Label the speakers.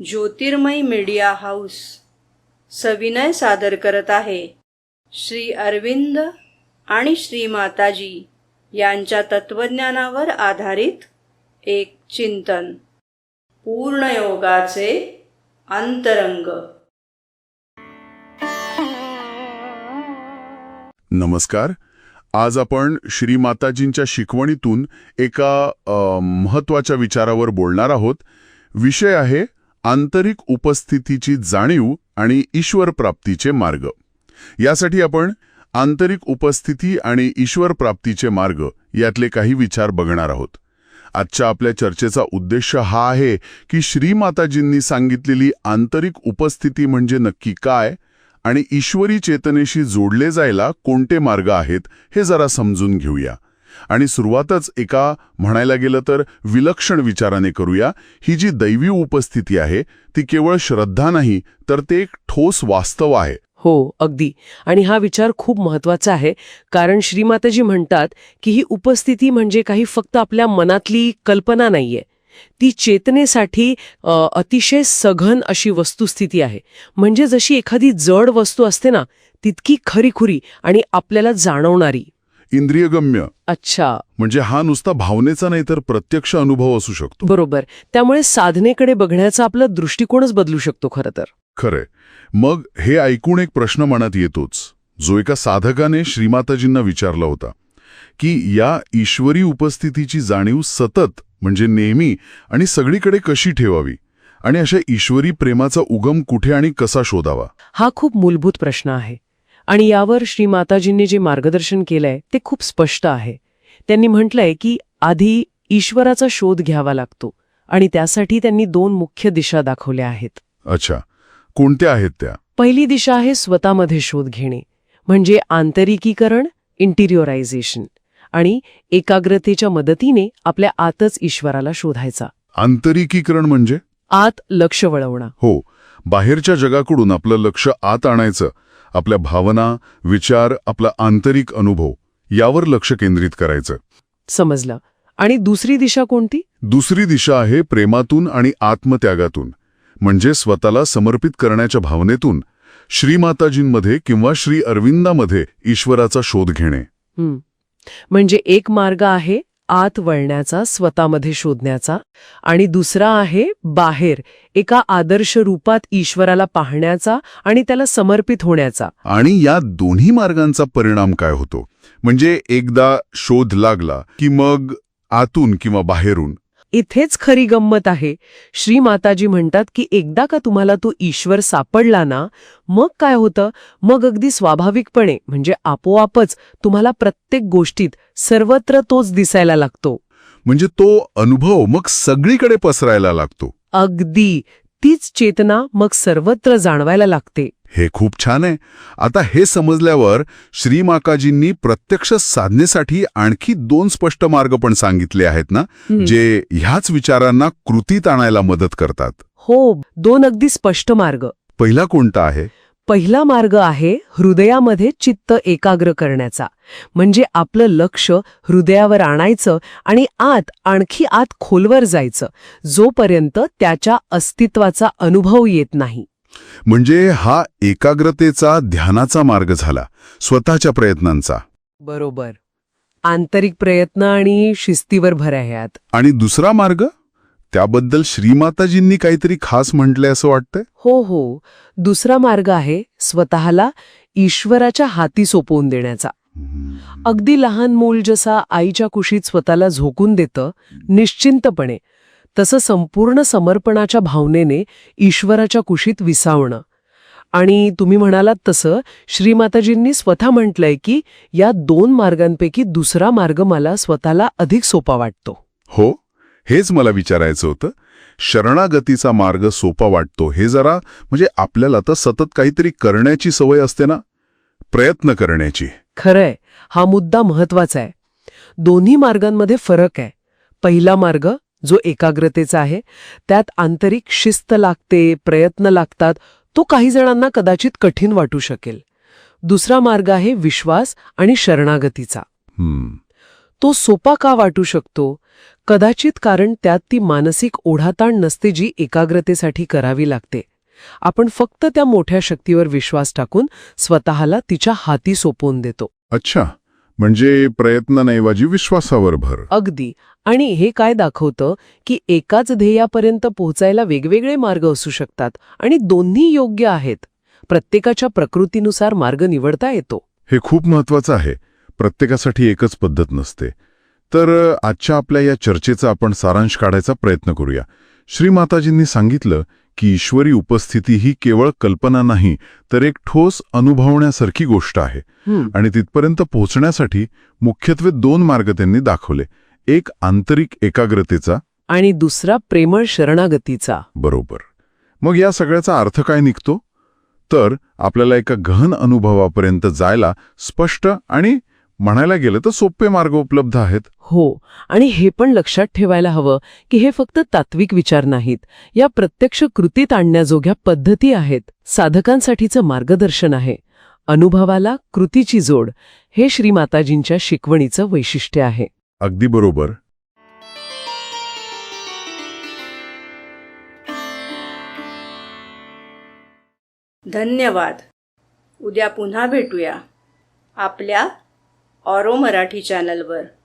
Speaker 1: ज्योतिर्मय media house सविनय सादर करत आहे श्री अरविंद आणि श्री माताजी यांच्या तत्वज्ञानावर आधारित एक चिंतन, पूर्णयोगाचे अंतरंग.
Speaker 2: नमस्कार. आज आपण श्री माताजींच्या शिकवणीतून एका महत्त्वाच्या विचारावर बोलणार आहोत. विषय आहे आंतरिक उपस्थितीची जाणीव आणि ईश्वर प्राप्तीचे मार्ग. यासाठी आपण आंतरिक उपस्थिती आणि ईश्वर प्राप्तीचे मार्ग यातले काही विचार बघणार आहोत. आजच्या आपल्या चर्चेचा उद्देश हा आहे की श्री माताजींनी सांगितलेली आंतरिक उपस्थिती म्हणजे नक्की काय आणि ईश्वरी चेतनेशी जोडले जायला कोणते मार्ग आहेत हे जरा समजून घेऊया. आणि सुरुवातच एका म्हणायला गेलं तर विलक्षण विचाराने करूया. ही जी दैवी उपस्थिती आहे ती केवळ श्रद्धा नाही, तर ते एक ठोस वास्तव आहे.
Speaker 3: हो, अगदी. आणि हा विचार खूप महत्वाचा आहे, कारण श्रीमाताजी म्हणतात की ही उपस्थिती म्हणजे काही फक्त आपल्या मनातली कल्पना नाहीये. ती चेतनेसाठी अतिशय सघन अशी वस्तुस्थिती आहे. म्हणजे जशी एखादी जड वस्तू असते ना, तितकी खरीखुरी आणि आपल्याला जाणवणारी,
Speaker 2: इंद्रियगम्य.
Speaker 3: अच्छा,
Speaker 2: म्हणजे हा नुसता भावनेचा नाही तर प्रत्यक्ष अनुभव असू शकतो.
Speaker 3: बरोबर. त्यामुळे साधनेकडे बघण्याचा आपला दृष्टिकोनच बदलू शकतो खरं तर.
Speaker 2: खरे. मग हे ऐकून एक प्रश्न मनात येतोच, जो एका साधकाने श्रीमाताजींना विचारला होता, की या ईश्वरी उपस्थितीची जाणीव सतत म्हणजे नेहमी आणि सगळीकडे कशी ठेवावी, आणि अशा ईश्वरी प्रेमाचा उगम कुठे आणि कसा शोधावा?
Speaker 3: हा खूप मूलभूत प्रश्न आहे. आणि यावर श्री माताजींनी जे मार्गदर्शन केलंय ते खूप स्पष्ट आहे. त्यांनी म्हटलंय की आधी ईश्वराचा शोध घ्यावा लागतो, आणि त्यासाठी त्यांनी 2 मुख्य दिशा दाखवल्या आहेत.
Speaker 2: अच्छा, कोणत्या आहेत त्या?
Speaker 3: पहिली दिशा आहे स्वतःमध्ये शोध घेणे, म्हणजे आंतरिकीकरण, इंटिरियोरायझेशन, आणि एकाग्रतेच्या मदतीने आपल्या आतच ईश्वराला शोधायचा.
Speaker 2: आंतरिकीकरण म्हणजे?
Speaker 3: आत लक्ष वळवणं.
Speaker 2: हो, बाहेरच्या जगाकडून आपलं लक्ष आत आणायचं. आपल्या भावना, विचार, आपला आंतरिक अनुभव यावर लक्ष केंद्रित करायचं.
Speaker 3: समजलं. आणि दुसरी दिशा कोणती?
Speaker 2: दुसरी दिशा आहे प्रेमातून आणि आत्मत्यागातून, म्हणजे स्वतःला समर्पित करण्याच्या भावनेतून श्रीमाताजींमध्ये किंवा श्री अरविंदामध्ये ईश्वराचा शोध घेणे.
Speaker 3: म्हणजे एक मार्ग आहे आत वळण्याचा, स्वतःमध्ये शोधण्याचा, आणि दुसरा आहे बाहेर एका आदर्श रूपात ईश्वराला पाहण्याचा आणि त्याला समर्पित होण्याचा.
Speaker 2: आणि या दोन्ही मार्गांचा परिणाम काय होतो? म्हणजे एकदा शोध लागला की मग आतून किंवा बाहेरून?
Speaker 3: इथेच खरी गंमत आहे. श्री माताजी म्हणतात की एकदा का तुम्हाला तो ईश्वर सापडला ना, मग काय होतं? मग अगदी स्वाभाविकपणे म्हणजे आपोआपच तुम्हाला प्रत्येक गोष्टीत सर्वत्र तोच दिसायला लागतो.
Speaker 2: म्हणजे तो अनुभव मग सगळीकडे पसरायला लागतो.
Speaker 3: अगदी तीच चेतना मग सर्वत्र जाणवायला लागते.
Speaker 2: हे खूप छान आहे. आता हे समजल्यावर श्री माताजींनी प्रत्यक्ष साधनेसाठी आणखी 2 स्पष्ट मार्ग पण सांगितले आहेत ना, जे ह्याच विचारांना कृतीत आणायला मदत करतात.
Speaker 3: हो, 2 अगदी स्पष्ट मार्ग.
Speaker 2: पहिला कोणता आहे?
Speaker 3: पहिला मार्ग आहे हृदयामध्ये चित्त एकाग्र करण्याचा. म्हणजे आपलं लक्ष हृदयावर आणायचं आणि आणखी आत खोलवर जायचं, जोपर्यंत त्याच्या अस्तित्वाचा अनुभव येत नाही.
Speaker 2: म्हणजे हा एकाग्रतेचा, ध्यानाचा मार्ग झाला, स्वतःच्या प्रयत्नांचा.
Speaker 3: बरोबर. आंतरिक प्रयत्न आणि शिस्तीवर भर आहे यात.
Speaker 2: आणि दुसरा मार्ग? त्याबद्दल श्रीमाताजींनी काहीतरी खास म्हटलंय असं वाटतंय.
Speaker 3: हो, दुसरा मार्ग आहे स्वतःला ईश्वराच्या हाती सोपवून देण्याचा. अगदी लहान मूल जसा आईच्या कुशीत स्वतःला झोकून देतं निश्चिंतपणे, तसं संपूर्ण समर्पणाच्या भावनेने ईश्वराच्या कुशीत विसावणं. आणि तुम्ही म्हणालात तसं श्रीमाताजींनी स्वतः म्हटलंय की या 2 मार्गांपैकी दुसरा मार्ग मला स्वतःला अधिक सोपा वाटतो.
Speaker 2: हो, हेच मला विचारायचं होतं. शरणागतीचा मार्ग सोपा वाटतो हे जरा म्हणजे आपल्याला तर सतत काहीतरी करण्याची सवय असते ना, प्रयत्न करण्याची.
Speaker 3: खरंय, हा मुद्दा महत्वाचा आहे. दोन्ही मार्गांमध्ये फरक आहे. पहिला मार्ग जो एकाग्रतेचा आहे, त्यात आंतरिक शिस्त लागते, प्रयत्न लागतात, तो काही जणांना कदाचित कठीण वाटू शकेल. दुसरा मार्ग आहे विश्वास आणि शरणागतीचा. तो सोपा का वाटू शकतो? कदाचित कारण त्यात ती मानसिक ओढाताण नसते जी एकाग्रतेसाठी करावी लागते. आपण फक्त त्या मोठ्या शक्तीवर विश्वास टाकून स्वतःला तिच्या हाती सोपवून देतो.
Speaker 2: अच्छा, म्हणजे प्रयत्नांऐवजी विश्वासावर भर.
Speaker 3: अगदी. आणि हे काय दाखवतं की एकाच ध्येयापर्यंत पोहोचायला वेगवेगळे मार्ग असू शकतात आणि दोन्ही योग्य आहेत. प्रत्येकाच्या प्रकृतीनुसार मार्ग निवडता येतो.
Speaker 2: हे खूप महत्वाचं आहे. प्रत्येकासाठी एकच पद्धत नसते. तर आजच्या आपल्या या चर्चेचा आपण सारांश काढायचा प्रयत्न करूया. श्रीमाताजींनी सांगितलं की ईश्वरी उपस्थिती ही केवळ कल्पना नाही, तर एक ठोस अनुभवण्यासारखी गोष्ट आहे. आणि तिथपर्यंत पोहोचण्यासाठी मुख्यत्वे 2 मार्ग त्यांनी दाखवले. एक आंतरिक एकाग्रतेचा
Speaker 3: आणि दुसरा प्रेमळ शरणागतीचा.
Speaker 2: बरोबर. मग या सगळ्याचा अर्थ काय निघतो? तर आपल्याला एका गहन अनुभवापर्यंत जायला स्पष्ट आणि म्हणायला गेलं तर सोपे मार्ग उपलब्ध आहेत.
Speaker 3: हो, आणि हे पण लक्षात ठेवायला हवं की हे फक्त तात्विक विचार नाहीत. या प्रत्यक्ष कृतीत आणण्याजोग्या पद्धती आहेत. साधकांसाठीचं मार्गदर्शन आहे. अनुभवाला कृतीची जोड हे श्रीमाताजींच्या शिकवणीचं वैशिष्ट्य आहे.
Speaker 2: अगदी बरोबर.
Speaker 1: धन्यवाद. उद्या पुन्हा भेटूया आपल्या ऑरो मराठी चॅनलवर.